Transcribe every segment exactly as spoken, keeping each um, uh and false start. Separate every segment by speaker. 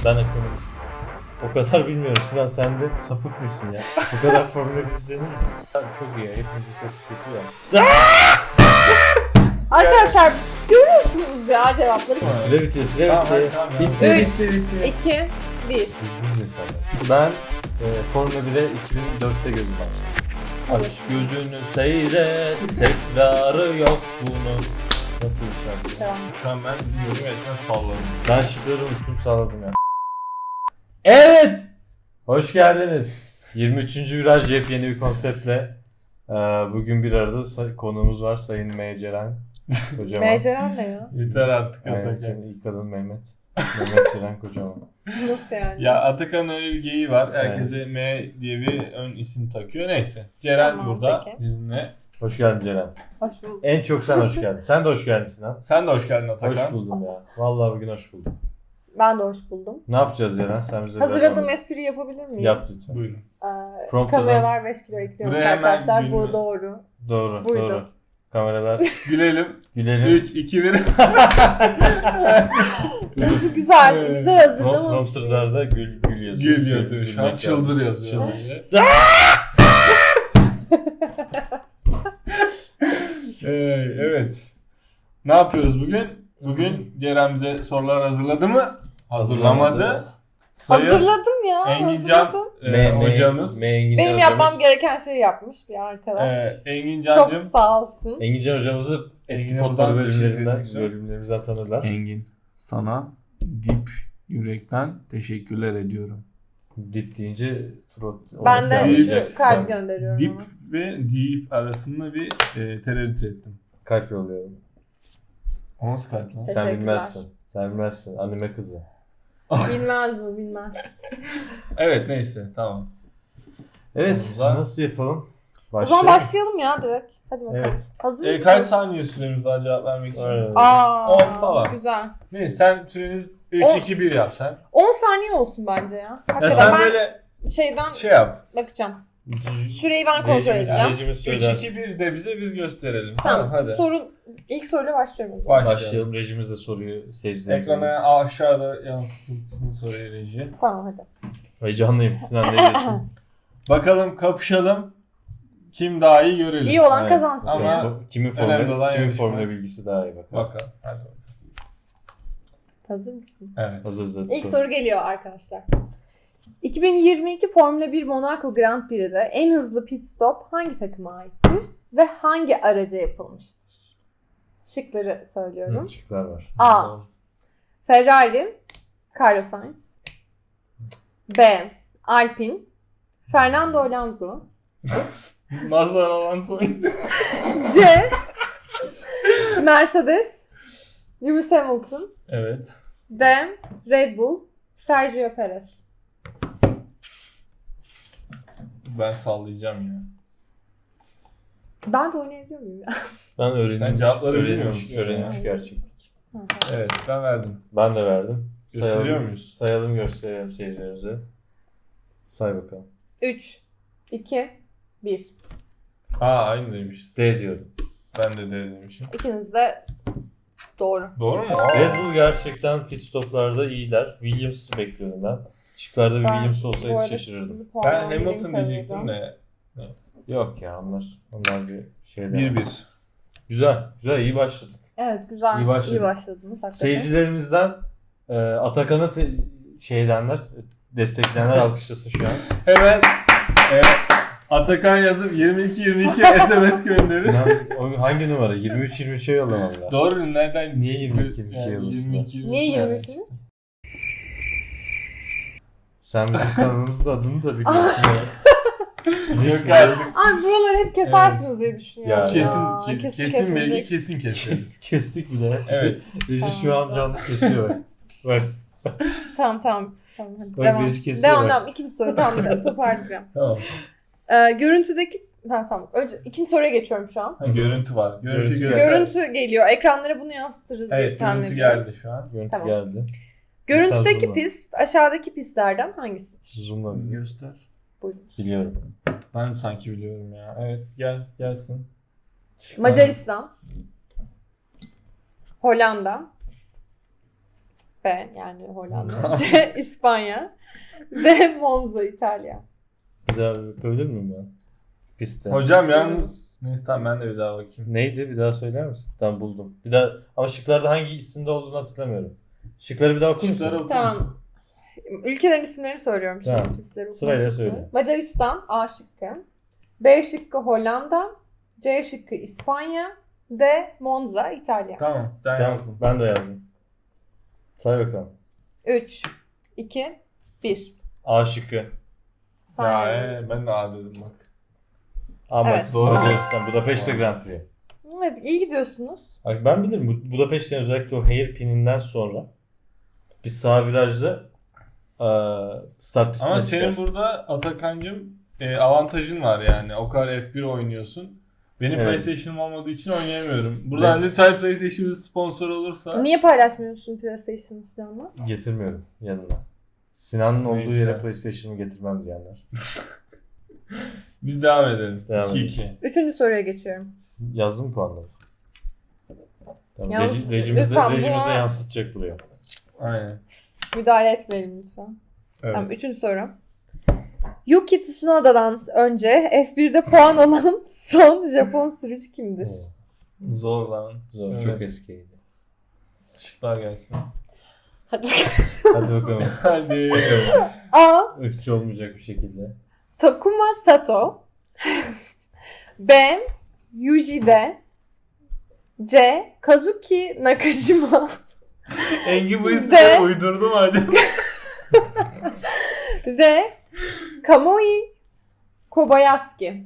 Speaker 1: Ben ekonomistim. O kadar bilmiyorum. Sinan sen de sapık mısın ya? Bu kadar Formula bir izlenir mi? Çok iyi ya. Hepimizin sesi kötü ya.
Speaker 2: Arkadaşlar görüyorsunuz ya cevapları.
Speaker 1: Süre bitti, süre
Speaker 3: Tamam,
Speaker 1: bitti.
Speaker 3: tamam ya.
Speaker 1: Bitti,
Speaker 2: Üç.
Speaker 1: bitti, bitti.
Speaker 2: iki, bir.
Speaker 1: Biz düz insanlar. Ben e, Formula bire iki bin dörtte gözüm açtım. Aç gözünü seyret, tekrarı yok bunun. Nasıl bir şarkı?
Speaker 2: Tamam.
Speaker 3: Şu an ben bilmiyorum gerçekten salladım.
Speaker 1: Ben şıkları unuttum, sağladım ya. Evet! Hoş geldiniz. yirmi üçüncü viraj yepyeni bir konseptle. Ee, bugün bir arada say- konuğumuz var, Sayın M. Ceren. Kocaman.
Speaker 2: Meceren ne ya?
Speaker 3: Yeter artık
Speaker 1: Aynen,
Speaker 3: Atakan.
Speaker 1: senin ilk adın Mehmet. Mehmet Ceren Kocaman.
Speaker 2: Nasıl yani?
Speaker 3: Ya Atakan'ın öyle bir geyiği var. Herkese
Speaker 1: Evet.
Speaker 3: M diye bir ön isim takıyor. Neyse. Ceren
Speaker 2: Tamam,
Speaker 3: burada
Speaker 2: peki.
Speaker 3: bizimle.
Speaker 1: Hoş geldin Ceren.
Speaker 2: Hoş bulduk.
Speaker 1: En çok sen hoş geldin. Sen de hoş geldin Sinan.
Speaker 3: Sen de hoş geldin Atakan.
Speaker 1: Hoş buldum ya. Vallahi bugün hoş buldum.
Speaker 2: Ben de hoş buldum.
Speaker 1: Ne yapacağız Ceren? Sen bize biraz
Speaker 2: Hazırladığım
Speaker 1: anlat.
Speaker 2: espri yapabilir miyim?
Speaker 1: Yap lütfen.
Speaker 3: Buyurun.
Speaker 2: Ee,
Speaker 1: Prompter'dan-
Speaker 2: kameralar beş kilo ekliyormuş
Speaker 3: Buraya hemen
Speaker 2: arkadaşlar.
Speaker 3: gülme.
Speaker 2: Bu doğru.
Speaker 1: Doğru,
Speaker 2: Buydu.
Speaker 1: doğru. Kameralar
Speaker 3: Gülelim.
Speaker 1: gülelim.
Speaker 3: üç, iki, bir.
Speaker 2: Nasıl güzel,
Speaker 3: Evet.
Speaker 2: güzel
Speaker 1: Prom-
Speaker 2: hazırlamış.
Speaker 1: Prompterlarda gül gül yazıyor.
Speaker 3: Gül yazıyor şu an.
Speaker 1: Gülmek
Speaker 3: Çıldır
Speaker 1: yazıyor.
Speaker 3: yazıyor.
Speaker 1: Çıldır.
Speaker 3: Ee, evet. Ne yapıyoruz bugün? Bugün Ceren bize sorular hazırladı mı? Hazırlamadı. Sayın
Speaker 2: Hazırladım ya.
Speaker 3: Engincan
Speaker 2: hazırladım.
Speaker 3: e,
Speaker 1: Me- me-
Speaker 3: hocamız.
Speaker 1: Me- Engincan
Speaker 2: Benim
Speaker 1: hocamız.
Speaker 2: yapmam gereken şeyi yapmış bir arkadaş.
Speaker 3: E,
Speaker 2: Çok
Speaker 3: Engincancığım.
Speaker 2: sağ olsun.
Speaker 1: Engincan hocamızı eski
Speaker 3: Engin'e
Speaker 1: Potlar
Speaker 3: buradan teşekkür
Speaker 1: bölümlerinden,
Speaker 3: ediyorum.
Speaker 1: bölümlerimizden tanırlar.
Speaker 3: Engin, sana dip yürekten teşekkürler ediyorum.
Speaker 1: Dip deyince trot.
Speaker 2: Ben de
Speaker 1: anlayacaksın
Speaker 2: şu kalp
Speaker 1: sen.
Speaker 2: gönderiyorum.
Speaker 3: Dip
Speaker 2: ona.
Speaker 3: ve deep arasında bir e, tereddüt ettim.
Speaker 1: Kalp yolluyorum.
Speaker 3: O nasıl kalp lan?
Speaker 1: Sen
Speaker 2: Teşekkürler.
Speaker 1: bilmezsin. Sen bilmezsin. Anime kızı.
Speaker 2: Bilmez mi bilmez.
Speaker 3: Evet neyse tamam.
Speaker 1: Evet.
Speaker 3: Konumuza-
Speaker 1: Nasıl yapalım?
Speaker 2: O zaman başlayalım ya direkt. Hadi bakalım.
Speaker 1: Evet.
Speaker 2: Hazır
Speaker 3: E,
Speaker 2: mısın?
Speaker 3: kaç saniye süremiz var cevap vermek için?
Speaker 1: Aynen.
Speaker 2: Aa,
Speaker 3: On falan.
Speaker 2: Güzel.
Speaker 3: Neyse sen süreniz üç
Speaker 2: On-
Speaker 3: iki bir yap sen.
Speaker 2: on saniye olsun bence ya.
Speaker 3: Ya
Speaker 2: Hakikaten
Speaker 3: sen
Speaker 2: ben
Speaker 3: böyle
Speaker 2: şeyden
Speaker 3: şey yap.
Speaker 2: bakacağım. Süreyi ben kontrol
Speaker 1: Rejimiz-
Speaker 2: edeceğim.
Speaker 1: Rejimiz
Speaker 3: üç
Speaker 1: söyler.
Speaker 3: iki bir de bize biz gösterelim.
Speaker 2: Tamam.
Speaker 3: hadi.
Speaker 2: Sorun ilk soruyla başlıyorum o zaman.
Speaker 3: Başlayalım.
Speaker 1: Başlayalım. Rejimiz de soruyu seyircilerimize.
Speaker 3: Ekrana aşağıda yansıtsın soruyu reji.
Speaker 2: Tamam hadi.
Speaker 1: Heyecanlıyım. Sinan ne diyorsun?
Speaker 3: Bakalım kapışalım. Kim daha iyi görelim.
Speaker 2: İyi olan
Speaker 1: Evet.
Speaker 2: kazansın.
Speaker 3: Ama-
Speaker 2: ya.
Speaker 1: Kimin, kimin
Speaker 3: önemli
Speaker 1: formülü,
Speaker 3: olan
Speaker 1: kimin
Speaker 3: yarışma.
Speaker 1: formülü bilgisi daha iyi bakalım.
Speaker 3: Bakalım. Hadi bakalım.
Speaker 2: Hazır mısın?
Speaker 3: Evet.
Speaker 1: Hazırız hadi
Speaker 2: İlk
Speaker 1: sor.
Speaker 2: soru geliyor arkadaşlar. iki bin yirmi iki Formula bir Monaco Grand Prix'de en hızlı pit stop hangi takıma aittir ve hangi araca yapılmıştır? Şıkları söylüyorum.
Speaker 1: Hı, şıklar var.
Speaker 2: A. Ferrari, Carlos Sainz. B. Alpine, Fernando Alonso.
Speaker 3: Mazhar Alonso.
Speaker 2: C. Mercedes, Lewis Hamilton.
Speaker 3: Evet.
Speaker 2: D. Red Bull, Sergio Perez.
Speaker 3: Ben sallayacağım ya.
Speaker 2: Ben de oynayabiliyor muyum ya?
Speaker 1: Ben öğrenmiş,
Speaker 3: Sen cevapları bilmiyor
Speaker 1: öğrenmiş,
Speaker 3: musun
Speaker 1: öğrenmiş
Speaker 2: ya?
Speaker 1: gerçeklik.
Speaker 3: Evet ben verdim.
Speaker 1: Ben de verdim.
Speaker 3: Gösteriyor
Speaker 1: Sayalım,
Speaker 3: muyuz?
Speaker 1: sayalım gösterelim seyircilerimize. Say bakalım.
Speaker 2: üç, iki, bir.
Speaker 3: Aa aynıymışız.
Speaker 1: D diyorum.
Speaker 3: Ben de D demişim.
Speaker 2: İkiniz de doğru.
Speaker 3: Doğru mu?
Speaker 1: Red Bull gerçekten pit stoplarda iyiler. Williams'ı bekliyordum ben. Şıklarda bir
Speaker 2: Ben
Speaker 1: Williams
Speaker 2: bu
Speaker 1: olsaydı
Speaker 2: arada
Speaker 1: şaşırırdım.
Speaker 2: sizi
Speaker 3: Ben
Speaker 2: puanlandırayım
Speaker 3: Hamilton
Speaker 2: tabii
Speaker 3: diyecektim
Speaker 2: de.
Speaker 3: de. Neyse.
Speaker 1: Yok ya onlar onlar bir şeyler.
Speaker 3: bir bir.
Speaker 1: Güzel, güzel iyi başladık.
Speaker 2: Evet güzel.
Speaker 1: İyi
Speaker 2: İyi,
Speaker 1: başladık.
Speaker 2: başladınız. hakikaten.
Speaker 1: Seyircilerimizden e, Atakan'ı te- şey edenler, destekleyenler alkışlasın şu an.
Speaker 3: Hemen e, Atakan yazıp yirmi iki yirmi iki S M S gönderir.
Speaker 1: Sinan, o hangi numara? yirmi üç yirmi üçe yollamam lazım.
Speaker 3: Doğru nereden?
Speaker 1: Niye yirmi iki yirmi iki
Speaker 3: Yani
Speaker 1: yollasın?
Speaker 3: yirmi iki, yirmi iki
Speaker 2: Niye yirmi
Speaker 3: yani.
Speaker 2: üçünüz?
Speaker 1: Sen bizim kanalımızın adını da biliyorsun ya.
Speaker 3: Yok artık.
Speaker 2: Ay buraları hep kesersiniz diye düşünüyorum.
Speaker 1: Ya,
Speaker 3: Kesin,
Speaker 2: Ya,
Speaker 3: ke- kesin,
Speaker 2: kesilecek.
Speaker 3: belki kesin keseriz.
Speaker 1: Kestik bile.
Speaker 3: Evet.
Speaker 1: Reji şu an canlı kesiyor. Bak.
Speaker 2: Tamam tamam. Tamam hadi
Speaker 1: Bak,
Speaker 2: devam.
Speaker 1: reji kesiyor
Speaker 2: Devam
Speaker 1: bak.
Speaker 2: devam. İkinci soru tamam toparlayacağım.
Speaker 3: Tamam.
Speaker 2: Ee, görüntüdeki... Ha, tamam. Önce ikinci soruya geçiyorum şu an.
Speaker 3: Ha, görüntü var. Görüntü,
Speaker 1: Görüntü
Speaker 3: göster.
Speaker 2: Görüntü geliyor. Ekranlara bunu yansıtırız diye
Speaker 3: Evet
Speaker 2: tahmin
Speaker 3: görüntü
Speaker 2: ediyorum.
Speaker 3: geldi şu an.
Speaker 1: Görüntü
Speaker 2: Tamam.
Speaker 1: geldi.
Speaker 2: Görüntüdeki
Speaker 1: Zoomla.
Speaker 2: pist aşağıdaki pistlerden hangisidir?
Speaker 1: Zoomla bizi.
Speaker 3: Göster.
Speaker 2: Buyurun.
Speaker 1: Biliyorum.
Speaker 3: Ben sanki biliyorum ya. Evet gel gelsin.
Speaker 2: Macaristan, Hollanda, B yani Hollanda. C. İspanya. D. Monza İtalya.
Speaker 1: Bir daha bakabilir miyim ben? Piste.
Speaker 3: Hocam yalnız neyse tamam ben de bir daha bakayım.
Speaker 1: Neydi? Bir daha söyler misin? Tamam buldum. Bir daha ama şıklarda hangi isimde olduğunu hatırlamıyorum. Şıkları bir daha okur musun?
Speaker 3: Şıkları oku.
Speaker 2: Tamam. Ülkelerin isimlerini söylüyorum şimdi.
Speaker 1: Tamam.
Speaker 2: Pistleri
Speaker 1: Sırayla
Speaker 2: okumak üzere.
Speaker 1: söyle.
Speaker 2: Macaristan A şıkkı. B şıkkı Hollanda. C şıkkı İspanya. D. Monza İtalya.
Speaker 3: Tamam. Ben
Speaker 1: Tamam,
Speaker 3: yazdım.
Speaker 1: ben de yazdım. Say bakalım.
Speaker 2: üç, iki, bir.
Speaker 1: A şıkkı.
Speaker 3: Ya
Speaker 2: Saniye.
Speaker 3: ee, ben de A dedim bak.
Speaker 1: Ama
Speaker 2: Evet.
Speaker 1: doğru. Macaristan. Budapeşte Grand Prix.
Speaker 2: Evet, iyi gidiyorsunuz.
Speaker 1: Bak ben bilirim. Bu- Budapeşte'nin özellikle o hairpin'inden sonra bir sağ virajda eee start pistine
Speaker 3: Ama senin
Speaker 1: çıkarsın.
Speaker 3: burada Atakan'cığım e, avantajın var yani. O kadar F bir oynuyorsun. Benim
Speaker 1: Evet.
Speaker 3: PlayStation'ım olmadığı için oynayamıyorum. Buradan
Speaker 1: Evet.
Speaker 3: lütfen PlayStation bizi sponsor olursa.
Speaker 2: Niye paylaşmıyorsun PlayStation'ı Sinan'la?
Speaker 1: Getirmiyorum yanına. Sinan'ın olduğu
Speaker 3: Neyse.
Speaker 1: yere PlayStation'ı getirmem diyenler.
Speaker 3: Biz devam edelim.
Speaker 1: Devam
Speaker 3: iki
Speaker 1: edelim.
Speaker 3: iki.
Speaker 2: Üçüncü soruya geçiyorum.
Speaker 1: Yazdın mı puanları? Tamam.
Speaker 2: Yalnız
Speaker 1: Reji, rejimizde,
Speaker 2: lütfen
Speaker 1: rejimizde
Speaker 2: buna-
Speaker 1: yansıtacak buraya.
Speaker 3: Aynen.
Speaker 2: Müdahale etmeyelim lütfen.
Speaker 3: Evet.
Speaker 2: Tamam, üçüncü soru. Yuki Tsunoda'dan önce F bir'de puan alan son Japon sürücü kimdir?
Speaker 1: Oo,
Speaker 3: Zor lan.
Speaker 1: Zor.
Speaker 3: Evet.
Speaker 1: Çok eskiydi.
Speaker 3: Şıklar gelsin.
Speaker 2: Hadi bakalım.
Speaker 1: Hadi bakalım.
Speaker 3: Hadi.
Speaker 2: A.
Speaker 1: Irkçı olmayacak bir şekilde.
Speaker 2: Takuma Sato. B. Yujide. C. Kazuki Nakajima.
Speaker 3: Engin bu
Speaker 2: De.
Speaker 3: isimleri uydurdu mu acaba?
Speaker 2: D. Kamui Kobayashi.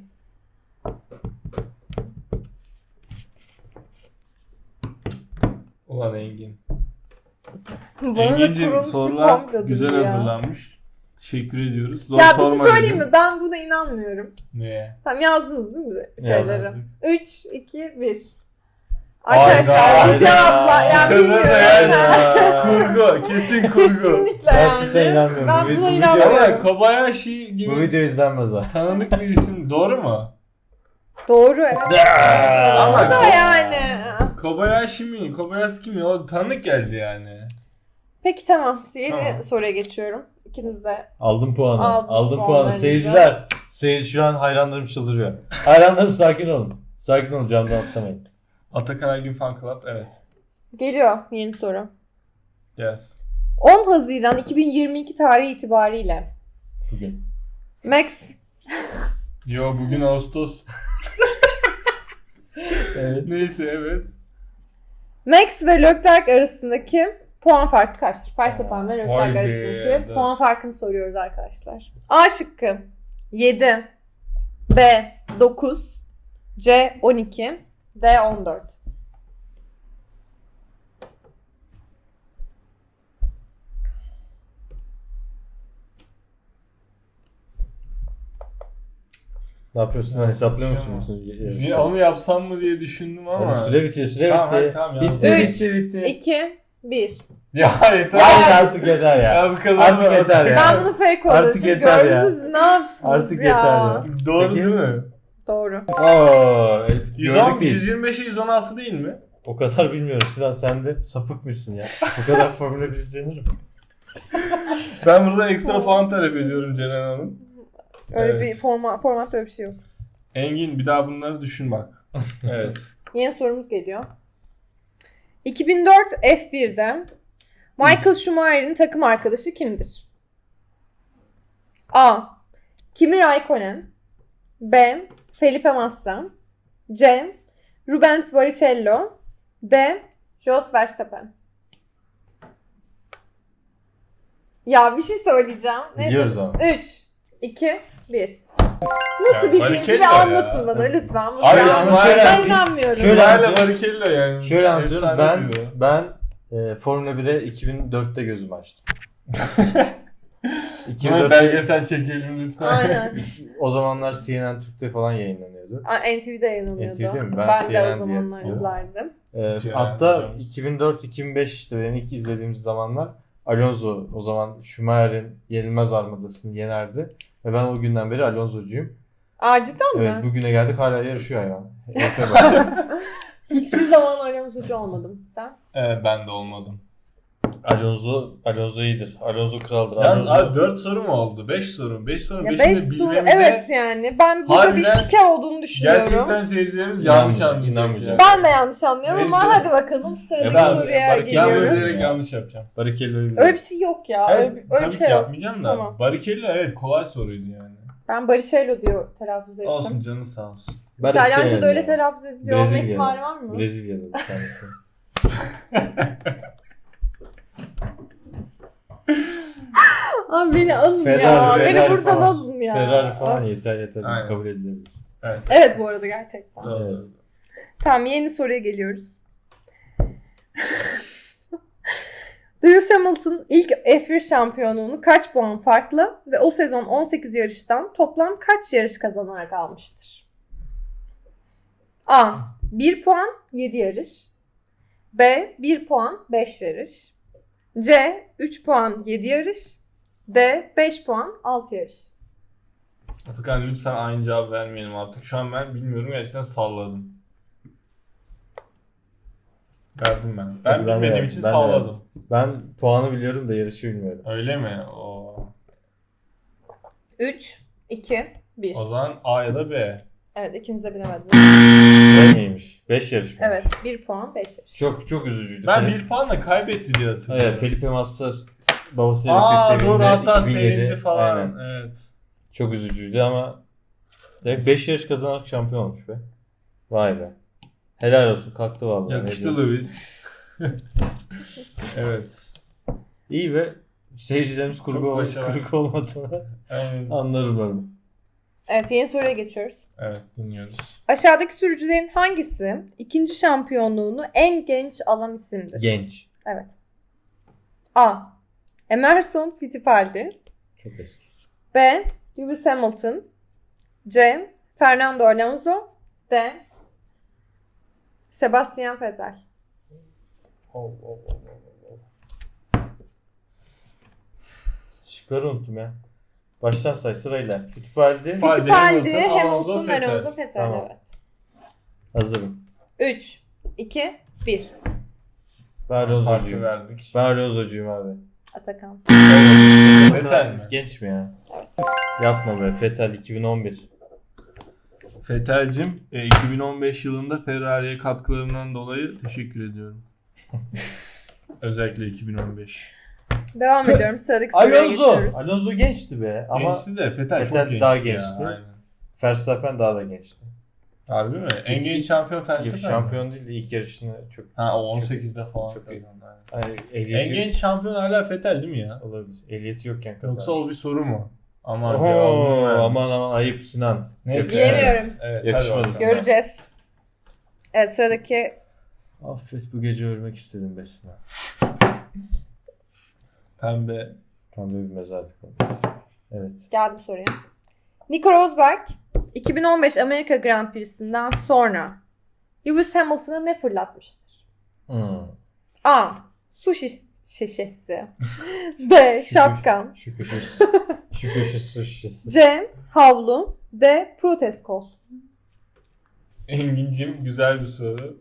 Speaker 3: Ulan Engin.
Speaker 2: Bana da
Speaker 3: Engin'cim
Speaker 2: kurulmuş bir
Speaker 3: sorular
Speaker 2: komplodur
Speaker 3: güzel
Speaker 2: ya.
Speaker 3: hazırlanmış. Teşekkür ediyoruz. Zor
Speaker 2: Ya bir şey
Speaker 3: sorma
Speaker 2: söyleyeyim
Speaker 3: dedim.
Speaker 2: mi? Ben buna inanmıyorum.
Speaker 3: Neye?
Speaker 2: Tamam, yazdınız değil mi şeyleri?
Speaker 3: Yazdık.
Speaker 2: üç, iki, bir.
Speaker 3: Hayda,
Speaker 2: Arkadaşlar bu
Speaker 1: hayda.
Speaker 2: cevaplar yani
Speaker 3: Kızım da
Speaker 2: bilmiyorum.
Speaker 3: yani. Kurgu. Kesin kurgu.
Speaker 2: Kesinlikle
Speaker 1: Gerçekten
Speaker 2: yani.
Speaker 1: inanmıyorum.
Speaker 2: Ben
Speaker 1: Bu-
Speaker 2: buna
Speaker 1: bu video-
Speaker 2: inanmıyorum.
Speaker 3: Ama Kobayashi gibi
Speaker 1: Bu video izlenmez ha.
Speaker 3: tanıdık bir isim. Doğru mu?
Speaker 2: Doğru evet.
Speaker 3: Ama
Speaker 2: Ama da
Speaker 3: Ko-
Speaker 2: yani.
Speaker 3: Kobayashi mi? Kobayashi mi? O tanıdık geldi yani.
Speaker 2: Peki tamam. Yeni
Speaker 3: Tamam.
Speaker 2: soruya geçiyorum. İkiniz de.
Speaker 1: Aldım puanı.
Speaker 2: Aldınız
Speaker 1: Aldım puanı.
Speaker 2: puanlarınızı.
Speaker 1: Seyirciler. Seyirci şu an hayranlarım çıldırıyor. Hayranlarım sakin olun. Sakin olun, camdan atlamayın.
Speaker 3: Atakan Aygün Fan Club. Evet.
Speaker 2: Geliyor yeni soru.
Speaker 3: Yes.
Speaker 2: on Haziran iki bin yirmi iki tarihi itibariyle
Speaker 1: Bugün.
Speaker 2: Max
Speaker 3: Yo bugün Ağustos.
Speaker 1: Evet.
Speaker 3: Neyse evet.
Speaker 2: Max ve Leclerc arasındaki puan farkı kaçtır? Verstappen ve Leclerc
Speaker 3: Vay be,
Speaker 2: arasındaki
Speaker 3: evet.
Speaker 2: puan farkını soruyoruz arkadaşlar. A şıkkı yedi, B dokuz, C on iki, D on dört.
Speaker 1: Ne yapıyorsun lan? Hesaplıyor musun?
Speaker 3: Tamam.
Speaker 1: bütün
Speaker 3: Niye,
Speaker 1: yarışı?
Speaker 3: onu yapsam mı diye düşündüm ama.
Speaker 1: Hadi süre bitiyor, süre
Speaker 3: Tamam,
Speaker 1: bitti.
Speaker 3: hadi, tamam, yazdım.
Speaker 1: bitti,
Speaker 2: Üç,
Speaker 1: bitti, bitti.
Speaker 2: iki, bir.
Speaker 3: Ya yeter.
Speaker 1: Hayır artık yeter ya.
Speaker 3: Ya bu kadar
Speaker 1: Artık
Speaker 3: da-
Speaker 1: yeter ya.
Speaker 2: Ben bunu fake olarak
Speaker 1: Artık
Speaker 2: çünkü
Speaker 1: yeter ya.
Speaker 2: gördünüz mü? Ne yapsınız
Speaker 1: Artık
Speaker 2: ya?
Speaker 1: yeter ya.
Speaker 3: Doğru
Speaker 1: Peki.
Speaker 3: değil mi?
Speaker 2: Doğru.
Speaker 1: Oo,
Speaker 3: yüz on,
Speaker 1: gördük değil.
Speaker 3: yüz yirmi beşe yüz on altı değil mi?
Speaker 1: O kadar bilmiyorum. Sinan sen de sapıkmışsın ya. Bu kadar Formula bir izlenir mi?
Speaker 3: Ben burada ekstra puan talep ediyorum Ceren Hanım.
Speaker 2: Öyle
Speaker 3: Evet.
Speaker 2: bir format, formatta öyle bir şey yok.
Speaker 3: Engin bir daha bunları düşün bak. Evet.
Speaker 2: Yeni sorumuz geliyor. iki bin dört F bir'de Michael Schumacher'in takım arkadaşı kimdir? A. Kimi Raikkonen. B. Felipe Massa. C. Rubens Barrichello. D. Jos Verstappen. Ya bir şey söyleyeceğim.
Speaker 1: Biliyoruz ama.
Speaker 2: üç, iki, bir. Nasıl
Speaker 3: Ya,
Speaker 2: bildiğinizi
Speaker 3: Barrichello
Speaker 2: bir
Speaker 3: ya.
Speaker 2: anlatın bana lütfen. Bunu
Speaker 3: Abi,
Speaker 2: ben-
Speaker 3: ama
Speaker 2: ben
Speaker 1: şöyle anlatayım.
Speaker 2: inanmıyorum.
Speaker 1: Şöyle
Speaker 3: Şöyle
Speaker 1: anlatıyorum.
Speaker 3: Barrichello yani.
Speaker 1: Şöyle anlatıyorum.
Speaker 3: Efsane
Speaker 1: Ben
Speaker 3: diyor.
Speaker 1: ben e, Formula bire iki bin dörtte gözümü açtım. iki bin
Speaker 3: Sonra
Speaker 1: dörtte
Speaker 3: belgesel çekelim lütfen.
Speaker 2: Aynen.
Speaker 1: o zamanlar C N N Türk'te falan yayınlanıyordu.
Speaker 2: Aa, N T V'de yayınlanıyordu.
Speaker 1: N T V'de mi? Ben
Speaker 2: Ben, de
Speaker 1: C N N
Speaker 2: o
Speaker 1: diye
Speaker 2: zamanlar
Speaker 1: hatırlıyorum.
Speaker 2: izlerdim.
Speaker 1: E,
Speaker 3: Ceren
Speaker 1: hatta
Speaker 3: hocamız.
Speaker 1: iki bin dört iki bin beş işte benim ilk izlediğimiz zamanlar Alonso o zaman Schumacher'in yenilmez armadasını yenerdi. Ve ben o günden beri Alonso'cuyum.
Speaker 2: Aa cidden mi?
Speaker 1: Evet bugüne geldik hala yarışıyor hayvan. Herife bak.
Speaker 2: Hiçbir zaman Alonso'cu olmadım. Sen?
Speaker 3: Evet ben de olmadım.
Speaker 1: Alonso, Alonso iyidir. Alonso kraldır.
Speaker 3: Yalnız
Speaker 1: Alonso...
Speaker 3: abi dört soru mu oldu? beş soru. beş soru.
Speaker 2: Ya
Speaker 3: beşini
Speaker 2: beş
Speaker 3: de
Speaker 2: soru
Speaker 3: bilmemize
Speaker 2: evet yani. Ben burada bir
Speaker 3: harbiden
Speaker 2: şike olduğunu düşünüyorum.
Speaker 3: gerçekten seyircilerimiz yanlış
Speaker 1: İnanmayacak,
Speaker 3: anlayacak.
Speaker 1: inanmayacak.
Speaker 2: Ben de yanlış anlıyorum ama
Speaker 3: Neyse.
Speaker 2: hadi bakalım sıradaki
Speaker 1: ben-
Speaker 2: soruya
Speaker 1: ben-
Speaker 3: Ben
Speaker 2: geliyoruz.
Speaker 3: böyle bilerek yanlış yapacağım.
Speaker 1: Barrichello'yu biliyorum.
Speaker 2: Öyle bir şey yok ya. öyle
Speaker 3: Evet,
Speaker 2: bir, öyle
Speaker 3: tabii
Speaker 2: bir şey
Speaker 3: ki
Speaker 2: yok.
Speaker 3: yapmayacağım da.
Speaker 2: Tamam.
Speaker 3: Barrichello evet kolay soruydu yani.
Speaker 2: Ben Barrichello diyor telaffuz ettim.
Speaker 3: Olsun canın sağ olsun.
Speaker 2: İtalyanca'da öyle
Speaker 1: ya.
Speaker 2: telaffuz ediliyor olma
Speaker 1: Brezilya.
Speaker 2: ihtimali var mı?
Speaker 1: Brezilya'da bir tanesi.
Speaker 2: Abi beni alın
Speaker 1: Ferrari,
Speaker 2: ya.
Speaker 1: Ferrari
Speaker 2: beni buradan
Speaker 1: falan.
Speaker 2: alın ya.
Speaker 1: Ferrari falan
Speaker 2: Of.
Speaker 1: yeter yeter.
Speaker 3: Aynen.
Speaker 1: Kabul edilebilir.
Speaker 2: Evet bu arada gerçekten.
Speaker 3: Doğru.
Speaker 1: Evet.
Speaker 2: Tamam yeni soruya geliyoruz. Lewis Hamilton ilk F bir şampiyonluğunu kaç puan farklı ve o sezon on sekiz yarıştan toplam kaç yarış kazanarak almıştır? A. bir puan yedi yarış. B. bir puan beş yarış. C. üç puan yedi yarış. D. beş puan altı yarış.
Speaker 3: Atakan lütfen aynı cevap vermeyelim artık. Şu an ben bilmiyorum gerçekten salladım. Verdim ben. Ben
Speaker 1: Hadi ben de
Speaker 3: bilmediğim
Speaker 1: verdim,
Speaker 3: için
Speaker 1: ben de
Speaker 3: salladım.
Speaker 1: Ben puanı biliyorum da yarışı bilmiyorum.
Speaker 3: Öyle mi? Oo.
Speaker 2: üç, iki, bir.
Speaker 3: O zaman A ya da B.
Speaker 2: Evet ikiniz de bilemediniz.
Speaker 1: Ben iyiymiş. beş yarış mı?
Speaker 2: Evet bir puan beş yarış.
Speaker 1: Çok çok üzücüydü.
Speaker 3: Ben
Speaker 1: Fel-
Speaker 3: bir puanla kaybetti diye hatırlıyorum.
Speaker 1: Hayır, Felipe Massa babasıyla birlikte
Speaker 3: Aa
Speaker 1: sevindi.
Speaker 3: doğru hatta
Speaker 1: iki bin yedi.
Speaker 3: sevindi falan.
Speaker 1: Aynen.
Speaker 3: Evet.
Speaker 1: Çok üzücüydü ama demek beş yarış kazanarak şampiyon olmuş be. Vay be. Helal olsun, kalktı vallahi. Ne
Speaker 3: Yakıştı
Speaker 1: diyeyim.
Speaker 3: Lewis. Evet.
Speaker 1: İyi ve seyircilerimiz kurgu,
Speaker 3: Çok
Speaker 1: ol-
Speaker 3: başarılı.
Speaker 1: kurgu olmadığını
Speaker 3: Aynen.
Speaker 1: anlar umarım.
Speaker 2: Evet yeni soruya geçiyoruz.
Speaker 3: Evet dinliyoruz.
Speaker 2: Aşağıdaki sürücülerin hangisi ikinci şampiyonluğunu en genç alan isimdir?
Speaker 1: Genç.
Speaker 2: Evet. A. Emerson Fittipaldi.
Speaker 1: Çok eski.
Speaker 2: B. Lewis Hamilton. C. Fernando Alonso. D. Sebastian Vettel.
Speaker 1: Oh, oh, oh, oh, oh. Şıkları unuttum ya. Baştan say sırayla. Fittipaldi.
Speaker 3: Fittipaldi,
Speaker 2: Fittipaldi,
Speaker 3: Hamilton,
Speaker 2: Hamilton,
Speaker 3: Alonso, Vettel.
Speaker 2: Alonso, Vettel.
Speaker 1: Tamam.
Speaker 2: Evet.
Speaker 1: Hazırım.
Speaker 2: üç, iki, bir.
Speaker 1: Ben
Speaker 3: Harfi
Speaker 1: Alonso'cuyum.
Speaker 3: verdik.
Speaker 1: Ben Alonso'cuyum abi.
Speaker 2: Atakan.
Speaker 3: Vettel mi?
Speaker 1: Genç mi ya?
Speaker 2: Evet.
Speaker 1: Yapma be. Vettel iki bin on bir.
Speaker 3: Vettel'cim e, iki bin on beş yılında Ferrari'ye katkılarından dolayı teşekkür ediyorum. Özellikle iki bin on beş.
Speaker 2: Devam ediyorum. Sıradaki soruya
Speaker 1: Alonso.
Speaker 2: geçiyoruz.
Speaker 1: Alonso gençti be. Ama
Speaker 3: Gençti de Vettel,
Speaker 1: Vettel
Speaker 3: çok gençti
Speaker 1: daha
Speaker 3: ya.
Speaker 1: gençti.
Speaker 3: Aynen.
Speaker 1: Verstappen daha da gençti.
Speaker 3: Harbi mi? En genç şampiyon Verstappen mi?
Speaker 1: Şampiyon değil de ilk yarışını çok...
Speaker 3: Ha o on sekizde falan
Speaker 1: çok iyi.
Speaker 3: kazandı. aynen.
Speaker 1: Hani ehliyeti
Speaker 3: En genç şampiyon hala Vettel değil mi ya?
Speaker 1: olabilir. Ehliyeti yokken kazandı.
Speaker 3: Yoksa o bir soru mu? Aman
Speaker 1: Oho,
Speaker 3: cevabını verdik.
Speaker 1: aman aman ayıp Sinan.
Speaker 3: Neyse.
Speaker 2: Bilemiyorum.
Speaker 3: Evet, evet,
Speaker 1: Yakışmadı
Speaker 3: hadi
Speaker 1: sana.
Speaker 3: bakalım.
Speaker 2: Göreceğiz. Evet sıradaki
Speaker 1: Affet bu gece ölmek istedim be Sinan.
Speaker 3: Pembe.
Speaker 1: Tam da bir mezarlık olmaz. Evet.
Speaker 2: geldi soruya. Nico Rosberg iki bin on beş Amerika Grand Prix'sinden sonra Lewis Hamilton'a ne fırlatmıştır?
Speaker 1: Hmm.
Speaker 2: A. Su şiş- şişesi. B. Şapkan.
Speaker 1: Şu köşe. Şu köşe su şişesi.
Speaker 2: C. Havlu. D. Protez kol.
Speaker 3: Engin'cim güzel bir soru.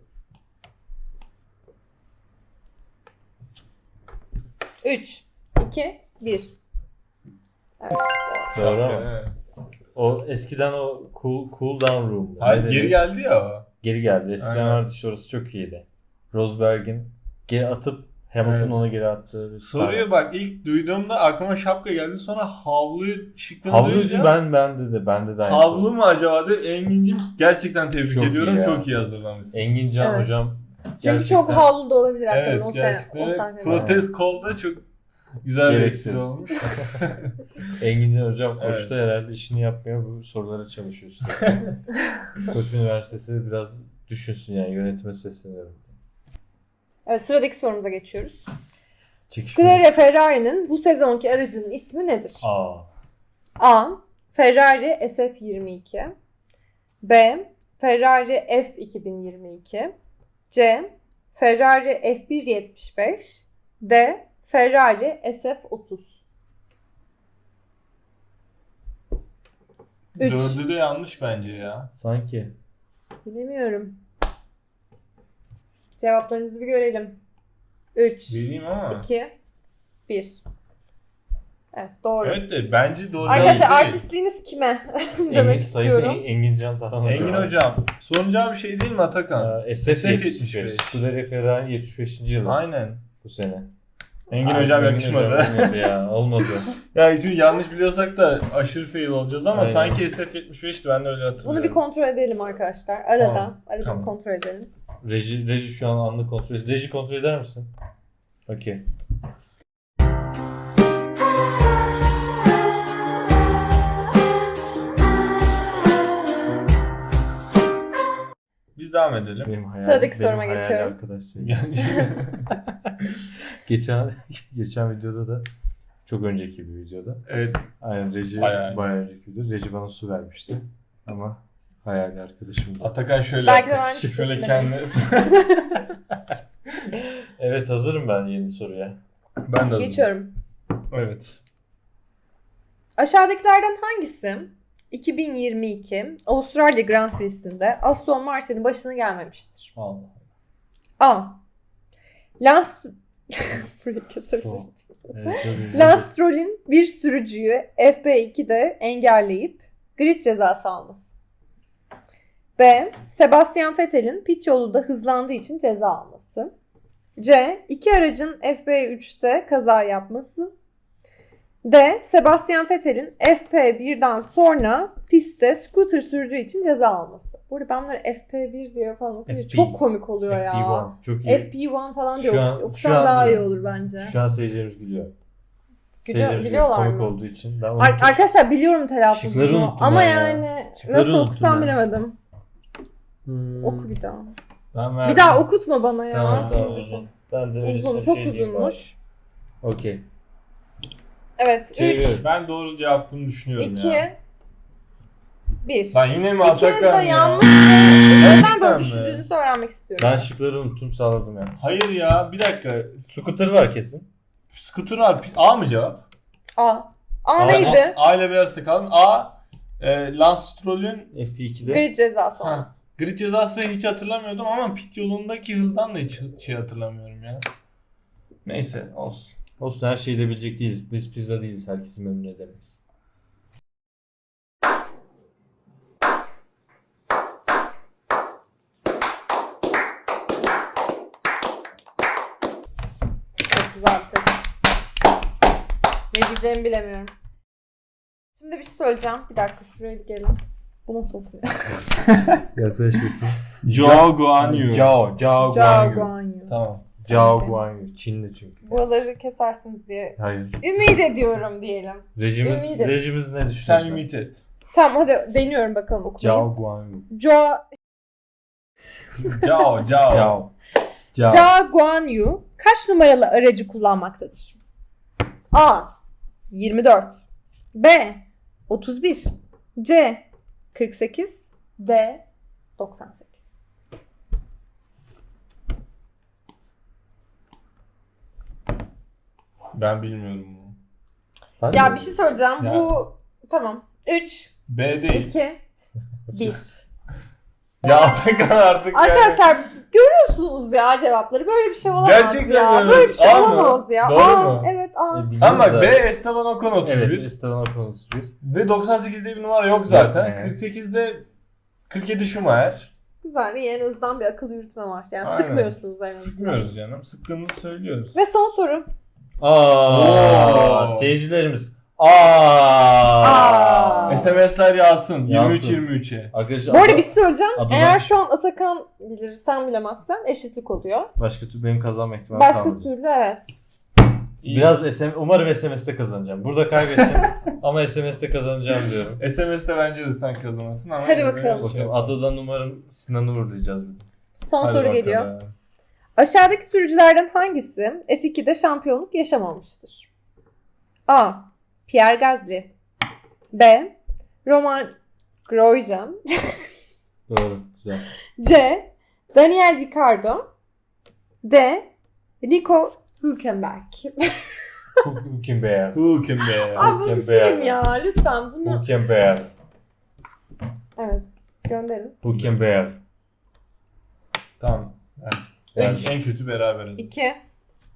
Speaker 2: üç, iki, bir. Evet.
Speaker 1: Doğru ama.
Speaker 3: Evet.
Speaker 1: O eskiden o cool, cool down room.
Speaker 3: Hayır
Speaker 1: Ne
Speaker 3: geri
Speaker 1: denir?
Speaker 3: geldi ya o.
Speaker 1: Geri geldi. Eskiden
Speaker 3: Aynen.
Speaker 1: vardı işte orası çok iyiydi. Rosberg'in geri atıp Hamilton
Speaker 3: Evet.
Speaker 1: onu geri attığı bir
Speaker 3: Soruyu bak ilk duyduğumda aklıma şapka geldi. Sonra havluyu şıkkını
Speaker 1: Havlu
Speaker 3: duyunca
Speaker 1: ben bende de bende de aynı
Speaker 3: havlu
Speaker 1: şey.
Speaker 3: mu acaba dedim. Engin'cim gerçekten tebrik
Speaker 1: Çok iyi
Speaker 3: ediyorum.
Speaker 1: ya.
Speaker 3: Çok iyi hazırlamışsın.
Speaker 1: Engin Can
Speaker 2: Evet.
Speaker 1: hocam
Speaker 2: Çünkü
Speaker 1: gerçekten
Speaker 2: çok havlu da olabilir hakikaten
Speaker 3: Evet
Speaker 2: o, sene,
Speaker 3: gerçekten.
Speaker 2: o
Speaker 3: Ve
Speaker 2: sahnede.
Speaker 3: Protez kolda çok güzel bir
Speaker 1: Gereksiz.
Speaker 3: espri olmuş.
Speaker 1: Engin Can hocam
Speaker 3: Evet.
Speaker 1: Koç'ta herhalde işini yapmıyor, bu sorulara çalışıyor sürekli. Koç Üniversitesi biraz düşünsün yani, yönetime sesleniyorum.
Speaker 2: Evet sıradaki sorumuza geçiyoruz.
Speaker 1: Çekişme.
Speaker 2: Scuderia Ferrari'nin bu sezonki aracının ismi nedir?
Speaker 1: Aa.
Speaker 2: A. Ferrari S F yirmi iki. B. Ferrari F iki bin yirmi iki. C. Ferrari F bir yetmiş beş. D. Ferrari S F otuz. Üç.
Speaker 3: Dördü de yanlış bence ya.
Speaker 2: Bilemiyorum. Cevaplarınızı bir görelim. üç,
Speaker 3: Vereyim ama.
Speaker 2: iki, bir. Evet doğru.
Speaker 3: Evet de bence doğru
Speaker 2: Arkadaşlar
Speaker 3: değil.
Speaker 2: artistliğiniz kime?
Speaker 1: Engin,
Speaker 2: demek
Speaker 1: Sayın
Speaker 2: istiyorum.
Speaker 1: En- Engin Can Tarhan Hoca.
Speaker 3: Engin hocam. Soracağı bir şey değil mi Atakan?
Speaker 1: Ee, S F
Speaker 3: S F
Speaker 1: yetmiş beş.
Speaker 3: yetmiş beş.
Speaker 1: Scuderia Ferrari yetmiş beşinci yılı
Speaker 3: Aynen.
Speaker 1: bu sene.
Speaker 3: Engin
Speaker 1: Ay,
Speaker 3: hocam
Speaker 1: Engin
Speaker 3: yakışmadı.
Speaker 1: hocam olmadı ya. Olmadı.
Speaker 3: Yani şimdi yanlış biliyorsak da aşırı fail olacağız ama
Speaker 1: Aynen.
Speaker 3: sanki S F yetmiş beşti, ben de öyle hatırlıyorum.
Speaker 2: Bunu bir kontrol edelim arkadaşlar. Arada.
Speaker 3: Tamam,
Speaker 2: Arada
Speaker 3: tamam.
Speaker 2: bir kontrol edelim.
Speaker 1: Reji, reji şu an anlık kontrol. Reji kontrol eder misin? Okey.
Speaker 3: Biz devam edelim.
Speaker 1: Benim hayal,
Speaker 2: Sıradaki
Speaker 1: benim
Speaker 2: soruma
Speaker 1: hayal
Speaker 2: geçiyorum.
Speaker 1: arkadaş sevgilisi. geçen geçen videoda da çok önceki bir videoda.
Speaker 3: Evet.
Speaker 1: Aynen Reji
Speaker 3: Bayağı
Speaker 1: bayağı, önceki video. Reji bana su vermişti. Ama hayali arkadaşımdı.
Speaker 3: Atakan şöyle
Speaker 2: Belki de
Speaker 3: yaptı.
Speaker 2: vermiştir.
Speaker 3: Şöyle kendine...
Speaker 1: Evet hazırım ben yeni soruya.
Speaker 3: ben de hazırım.
Speaker 2: Geçiyorum.
Speaker 3: Evet.
Speaker 2: Aşağıdakilerden hangisi iki bin yirmi iki Avustralya Grand Prix'sinde Aston Martin'in başına gelmemiştir?
Speaker 1: Allah.
Speaker 2: A. Lance Burayı keserim.
Speaker 1: Stop. Evet, çok iyi.
Speaker 2: Lance Stroll'in bir sürücüyü F B iki'de engelleyip grid cezası alması. B. Sebastian Vettel'in pit yolunda hızlandığı için ceza alması. C. İki aracın F B üç'te kaza yapması. D. Sebastian Vettel'in F P bir'den sonra pistte scooter sürdüğü için ceza alması. Burada ben bunları F P bir diye falan okuyunca
Speaker 1: F P
Speaker 2: çok komik oluyor
Speaker 1: F P
Speaker 2: ya.
Speaker 1: bir çok iyi.
Speaker 2: F P bir falan
Speaker 1: Şu
Speaker 2: diyor.
Speaker 1: an- şu
Speaker 2: Okusam
Speaker 1: an-
Speaker 2: daha iyi olur bence.
Speaker 1: Şu an seyircilerimiz gülüyor.
Speaker 2: Gülüyor-
Speaker 1: Seyircilerimiz
Speaker 2: biliyorlar
Speaker 1: komik
Speaker 2: mı?
Speaker 1: olduğu için. Ben
Speaker 2: Ar-
Speaker 1: unuttum.
Speaker 2: arkadaşlar biliyorum
Speaker 1: Şıkları
Speaker 2: telaffuzunu
Speaker 1: unuttum
Speaker 2: ama
Speaker 1: ben ya.
Speaker 2: yani
Speaker 1: Şıkları
Speaker 2: nasıl
Speaker 1: unuttum
Speaker 2: okusam
Speaker 1: ben.
Speaker 2: bilemedim.
Speaker 1: Hmm.
Speaker 2: Oku bir daha.
Speaker 3: Ben verdim.
Speaker 2: Bir daha okutma bana ya.
Speaker 1: Tamam tamam uzun. Ben de öylesine
Speaker 2: Uzun,
Speaker 1: bir
Speaker 2: çok
Speaker 1: şey diyeyim
Speaker 2: uzunmuş.
Speaker 1: bari. Okey.
Speaker 2: Evet,
Speaker 1: Çeviriyorum.
Speaker 2: üç,
Speaker 3: Ben doğru cevaptığımı düşünüyorum
Speaker 2: iki,
Speaker 3: ya.
Speaker 2: bir.
Speaker 3: Lan yine mi
Speaker 2: İkiniz
Speaker 3: Atakan
Speaker 2: de
Speaker 3: ya?
Speaker 2: yanlış mı? Neden
Speaker 3: Gerçekten
Speaker 2: böyle
Speaker 3: mi?
Speaker 2: düşündüğünüzü öğrenmek istiyorum.
Speaker 1: Ben şıkları unuttum sağladım yani.
Speaker 3: Hayır ya, bir dakika.
Speaker 1: Scooter var kesin.
Speaker 3: Scooter abi. A mı cevap?
Speaker 2: A. A
Speaker 1: A-
Speaker 2: neydi?
Speaker 3: A ile beyazda kalın. A. E, Lance Stroll'ün
Speaker 1: F ikide.
Speaker 2: Grid cezası
Speaker 3: Ha.
Speaker 2: olması.
Speaker 3: grid cezası hiç hatırlamıyordum ama pit yolundaki hızdan da hiç şey hatırlamıyorum ya. Neyse olsun.
Speaker 1: Olsun her şeyi de bilecek değiliz. Biz pizza değiliz. Herkesi memnun edemeyiz.
Speaker 2: Çok güzel bir test. Ne diyeceğimi bilemiyorum. Şimdi bir şey söyleyeceğim. Bir dakika şuraya bir gelin. Bu nasıl okunuyor?
Speaker 1: Yaklaş bakayım.
Speaker 3: Zhao Guanyu.
Speaker 1: Zhao. Zhao
Speaker 2: Zhao
Speaker 1: Guanyu.
Speaker 2: Guanyu.
Speaker 3: Tamam.
Speaker 1: Zhao
Speaker 2: Okey.
Speaker 1: Guanyu. Çinli çünkü.
Speaker 2: Buraları kesersiniz diye
Speaker 1: Hayır.
Speaker 2: ümit ediyorum diyelim.
Speaker 1: Rejimiz,
Speaker 2: Ümit et.
Speaker 1: rejimiz ne
Speaker 3: Sen
Speaker 1: düşünüyorsun?
Speaker 3: ümit et.
Speaker 2: Tamam hadi deniyorum bakalım okumayı.
Speaker 1: Zhao Guanyu.
Speaker 2: Zhao
Speaker 3: Zhao, Zhao.
Speaker 1: Zhao. Zhao.
Speaker 2: Zhao Guanyu kaç numaralı aracı kullanmaktadır? A. yirmi dört B. otuz bir C. kırk sekiz D. doksan sekiz.
Speaker 3: Ben bilmiyorum bunu.
Speaker 1: Ben
Speaker 2: Ya
Speaker 1: de-
Speaker 2: bir şey söyleyeceğim.
Speaker 3: Ya.
Speaker 2: Bu tamam. üç,
Speaker 3: B değil.
Speaker 2: iki, bir.
Speaker 3: Ya Atakan artık yani.
Speaker 2: Arkadaşlar görüyorsunuz ya cevapları. Böyle bir şey olamaz
Speaker 3: Gerçekten
Speaker 2: ya.
Speaker 3: görüyoruz.
Speaker 2: Böyle bir şey
Speaker 3: A mı?
Speaker 2: olamaz ya.
Speaker 3: Doğru
Speaker 2: A,
Speaker 3: mu?
Speaker 2: evet A.
Speaker 1: E, biliyoruz
Speaker 3: Ama bak
Speaker 1: zaten.
Speaker 3: B Esteban Ocon otuz bir.
Speaker 1: Evet Esteban Ocon otuz bir.
Speaker 3: Ve doksan sekizde bir numara yok zaten.
Speaker 1: Yok,
Speaker 3: kırk sekizde kırk yedi Schumacher.
Speaker 2: Güzel. İyi, en azından bir akıl yürütme var. Yani
Speaker 3: Aynen.
Speaker 2: sıkmıyorsunuz en azından.
Speaker 3: Sıkmıyoruz canım. Sıktığımızı söylüyoruz.
Speaker 2: Ve son soru.
Speaker 1: Aa,
Speaker 3: Oo.
Speaker 1: seyircilerimiz. Aa.
Speaker 2: Aa.
Speaker 3: S M S'ler yağsın. yirmi üç
Speaker 1: Yağsın.
Speaker 3: yirmi üçe.
Speaker 1: Arkadaşlar
Speaker 2: Bu arada
Speaker 1: adı-
Speaker 2: bir şey söyleyeceğim.
Speaker 1: Adıma-
Speaker 2: Eğer şu an Atakan bilir, sen bilemezsen eşitlik oluyor.
Speaker 1: başka türlü benim kazanma ihtimalim
Speaker 2: Başka
Speaker 1: kalmadı.
Speaker 2: türlü evet.
Speaker 1: Biraz S M, umarım S M S'te kazanacağım. Burada kaybettim ama S M S'te kazanacağım diyorum.
Speaker 3: S M S'te bence de sen kazanırsın ama.
Speaker 2: Hadi
Speaker 3: yine de
Speaker 2: bakalım.
Speaker 3: şey
Speaker 1: Bakalım adadan umarım Sinan'ı uğurlayacağız bugün.
Speaker 2: Son
Speaker 3: Hadi
Speaker 2: soru
Speaker 3: bakalım.
Speaker 2: geliyor. Aşağıdaki sürücülerden hangisi F iki'de şampiyonluk yaşamamıştır? A. Pierre Gasly B. Roman Grosjean
Speaker 1: Doğru, güzel.
Speaker 2: C. Daniel Ricciardo D. Nico Hülkenberg.
Speaker 1: Hülkenberg.
Speaker 3: Hülkenberg.
Speaker 2: Abi bunu
Speaker 1: Hülkenberg.
Speaker 2: silin ya lütfen bunu.
Speaker 1: Hülkenberg.
Speaker 2: Evet gönderin.
Speaker 1: Hülkenberg.
Speaker 3: Tamam. Yani
Speaker 2: Üç.
Speaker 3: en kötü beraberiz.
Speaker 2: iki,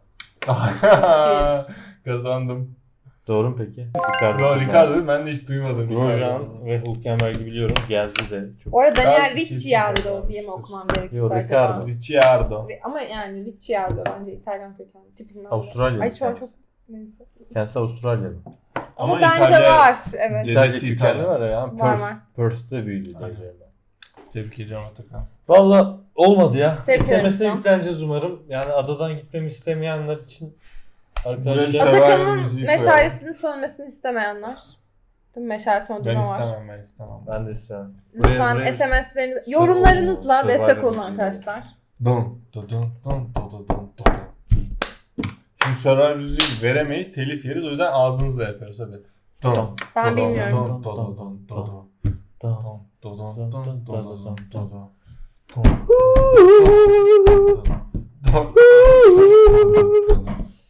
Speaker 3: Kazandım.
Speaker 1: Doğru mu peki? Ricardo.
Speaker 3: Doğru,
Speaker 1: kazandı.
Speaker 3: Ricardo ben de hiç duymadım.
Speaker 1: Grosjean ve Hülkenberg'i biliyorum. Geldi de çok.
Speaker 2: Bu arada Daniel
Speaker 3: Belki kesin
Speaker 2: Ricciardo
Speaker 3: kazanmıştır.
Speaker 2: diye mi okumam gerekiyor
Speaker 1: Yok,
Speaker 2: acaba?
Speaker 1: Ricciardo.
Speaker 3: Ricciardo.
Speaker 2: Ama yani Ricciardo bence İtalyan kökenli tipinden. de.
Speaker 1: Avustralyalı
Speaker 2: Ay şu an çok
Speaker 1: kendisi.
Speaker 2: neyse.
Speaker 1: Kendisi Avustralyalı.
Speaker 2: Ama,
Speaker 3: Ama
Speaker 2: bence
Speaker 3: İtalya-
Speaker 2: var evet.
Speaker 3: Dedesi
Speaker 1: İtalya kökenli
Speaker 3: İtalyan.
Speaker 1: var ya. Yani
Speaker 2: Var,
Speaker 1: Perth,
Speaker 2: var.
Speaker 1: Perth'te büyüdü diye
Speaker 3: Aynen.
Speaker 1: biliyorum ben.
Speaker 3: Tebrik ediyorum Atakan.
Speaker 1: Valla olmadı ya.
Speaker 2: Tebrik ederim
Speaker 1: S M S'e
Speaker 2: sana.
Speaker 1: yükleneceğiz umarım. Yani adadan gitmemi istemeyenler için
Speaker 3: Buraya
Speaker 1: arkadaşlar.
Speaker 3: bir
Speaker 2: Atakan'ın
Speaker 3: müziği
Speaker 2: meşalesini sönmesini istemeyenler. Değil mi? Meşale
Speaker 3: Ben
Speaker 2: söndürme var.
Speaker 3: istemem ben istemem.
Speaker 1: Ben de istemem. Buraya-
Speaker 2: Lütfen
Speaker 1: buraya-
Speaker 2: S M S'leriniz, yorumlarınızla
Speaker 1: Survivor
Speaker 2: destek olun
Speaker 1: müziği.
Speaker 2: arkadaşlar.
Speaker 3: Dun dun dun dun dun dun dun dun. Şimdi Survivor müziği veremeyiz, telif yeriz, o yüzden ağzımızla yapıyoruz hadi. Dun,
Speaker 1: Dun,
Speaker 2: Ben
Speaker 3: dun,
Speaker 2: bilmiyorum.
Speaker 3: dun, dun, dun, dun, dun,
Speaker 1: dun,
Speaker 3: dun, dun,
Speaker 1: dun,
Speaker 3: dun,
Speaker 1: dun,
Speaker 3: dun,
Speaker 1: dun,
Speaker 3: dun,
Speaker 1: dun,
Speaker 3: dun,
Speaker 1: dun.
Speaker 3: dun. Dun, dun.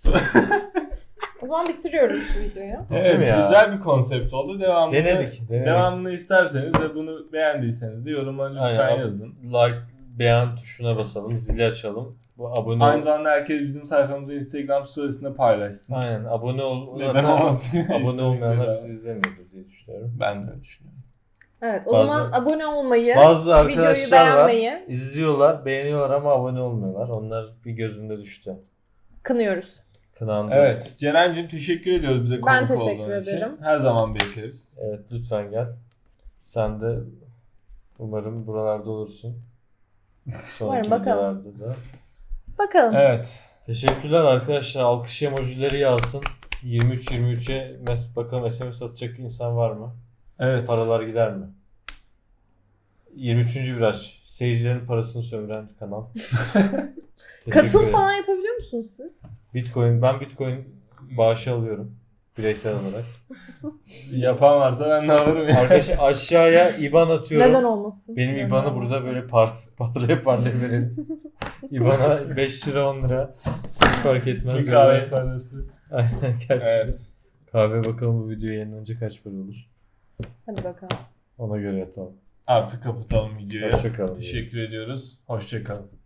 Speaker 2: O zaman bitiriyoruz bu videoyu.
Speaker 3: Evet,
Speaker 1: mi ya?
Speaker 3: güzel bir konsept oldu. Devamını,
Speaker 1: Denedik, denedik.
Speaker 3: devamını isterseniz ve bunu beğendiyseniz de yoruma lütfen
Speaker 1: Aynen.
Speaker 3: yazın.
Speaker 1: Like, beğen tuşuna basalım, zili açalım. Bu abone
Speaker 3: Aynı
Speaker 1: ol.
Speaker 3: zamanda herkes bizim sayfamızı Instagram storiesinde paylaşsın.
Speaker 1: Aynen, abone ol.
Speaker 3: Neden
Speaker 1: Zaten
Speaker 3: olmasın?
Speaker 1: Abone
Speaker 3: İstedik
Speaker 1: olmayanlar
Speaker 3: bedava.
Speaker 1: bizi izlemiyordur diye düşünüyorum.
Speaker 3: Ben de öyle düşünüyorum.
Speaker 2: Evet o
Speaker 1: Bazı-
Speaker 2: zaman abone olmayı,
Speaker 1: Bazı
Speaker 2: videoyu
Speaker 1: arkadaşlar var,
Speaker 2: beğenmeyi
Speaker 1: izliyorlar, beğeniyorlar ama abone olmuyorlar. Onlar bir gözümde düştü.
Speaker 2: kınıyoruz.
Speaker 1: Kınandı.
Speaker 3: Evet, Ceren'cim teşekkür ediyoruz bize konuk
Speaker 2: Ben teşekkür
Speaker 3: olduğun için.
Speaker 2: ederim.
Speaker 3: Her zaman bekleriz.
Speaker 1: Evet, lütfen gel. Sen de umarım buralarda olursun. Sonraki
Speaker 2: Umarım, bakalım.
Speaker 1: videolarda da.
Speaker 2: Bakalım.
Speaker 3: Evet.
Speaker 1: Teşekkürler arkadaşlar. Alkış emojileri yağsın. yirmi üç yirmi üçe mes bakalım S M S atacak insan var mı?
Speaker 3: Evet.
Speaker 1: Paralar gider mi? yirmi üçüncü viraj. Seyircilerin parasını sömüren kanal. Teşekkür
Speaker 2: Katıl
Speaker 1: ederim.
Speaker 2: falan yapabiliyor musunuz siz?
Speaker 1: Bitcoin. Ben Bitcoin bağışı alıyorum. Bireysel olarak.
Speaker 3: Yapan varsa ben de alırım ya.
Speaker 1: Arkadaşlar aşağıya I B A N atıyorum.
Speaker 2: Neden olmasın?
Speaker 1: Benim
Speaker 2: Neden
Speaker 1: I B A N'ı
Speaker 2: olmasın?
Speaker 1: burada böyle par parlaya parlaya verelim. I B A N''a beş lira on lira. Hiç fark etmez.
Speaker 3: Bir kahve parası.
Speaker 1: Aynen gerçekten.
Speaker 3: Evet.
Speaker 1: Kahve bakalım bu video yayınlanınca kaç para olur.
Speaker 2: Hadi bakalım.
Speaker 1: Ona göre yatalım.
Speaker 3: Artık kapatalım videoyu.
Speaker 1: Hoşçakalın.
Speaker 3: Teşekkür ediyoruz. Hoşçakalın.